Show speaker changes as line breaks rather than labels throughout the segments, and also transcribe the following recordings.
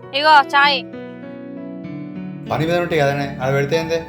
ఇగో చాయ్.
పని మీద ఉంటాయి కదనే ఆడ పెడితే ఏందే.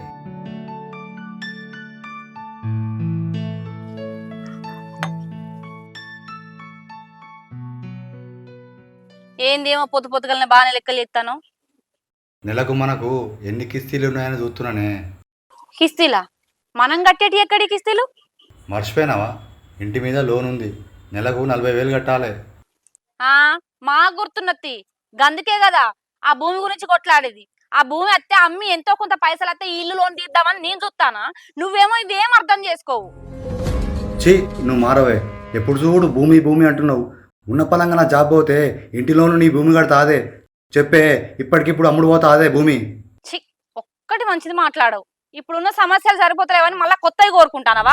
ఏందేమో పొద్దు పొద్దుగలనే బాగానే లెక్కలు చెప్తాను.
నెలకు మనకు ఎన్ని కిస్తీలు ఉన్నాయని చూస్తున్నానే.
కిస్తీలా? మనం కట్టేటి ఎక్కడి కిస్తీలు?
మర్చిపోయినావా? ఇంటి మీద లోన్ ఉంది, నెలకు 40,000 కట్టాలి.
ఆ మా గుర్తున్నత్తి, గందుకే కదా ఆ భూమి గురించి కొట్లాడేది. ఆ భూమి అత్తే అమ్మి ఎంతో కొంత పైసలు అత్తే ఇల్లు లోన్ తీద్దామని నేను చూస్తానా, నువ్వేమో ఇదేం అర్థం చేసుకోవు.
ఛీ, నువ్వు మారవే. ఎప్పుడు చూడు భూమి భూమి అంటున్నావు. ఉన్న పలంగా నా జాబ్ పోతే ఇంటిలోను నీ భూమి కడతా అదే చెప్పే. ఇప్పటికిప్పుడు అమ్ముడు పోతా అదే భూమి.
ఛీ, ఒక్కటి మంచిది మాట్లాడవు. ఇప్పుడున్న సమస్యలు సరిపోతలేవని మళ్ళా కొత్తవి కోరుకుంటానవా?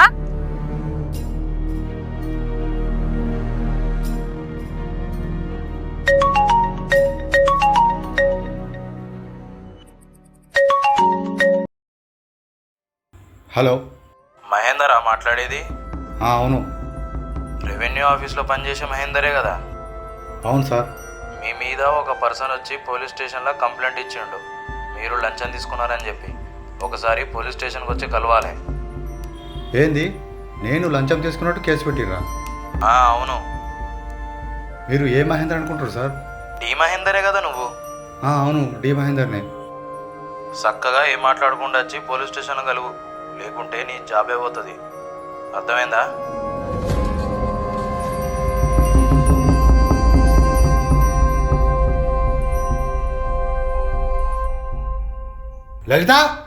హలో,
మహేందరా మాట్లాడేది?
అవును.
రెవెన్యూ ఆఫీస్లో పనిచేసే మహేందరే కదా?
అవును సార్.
మీ మీద ఒక పర్సన్ వచ్చి పోలీస్ స్టేషన్లో కంప్లైంట్ ఇచ్చిండు, మీరు లంచం తీసుకున్నారని చెప్పి. ఒకసారి పోలీస్ స్టేషన్కి వచ్చి కలవాలి.
ఏంది, నేను లంచం తీసుకున్నట్టు కేసు పెట్టిర్రా?
అవును.
మీరు ఏ మహేందర్ అనుకుంటారు సార్?
డి మహేందరే కదా నువ్వు?
అవును, డి మహేందర్నే.
చక్కగా ఏం మాట్లాడకుండా వచ్చి పోలీస్ స్టేషన్ కలుగు, లేకుంటే నీ జాబే పోతుంది. అర్థమైందా?
లలిత.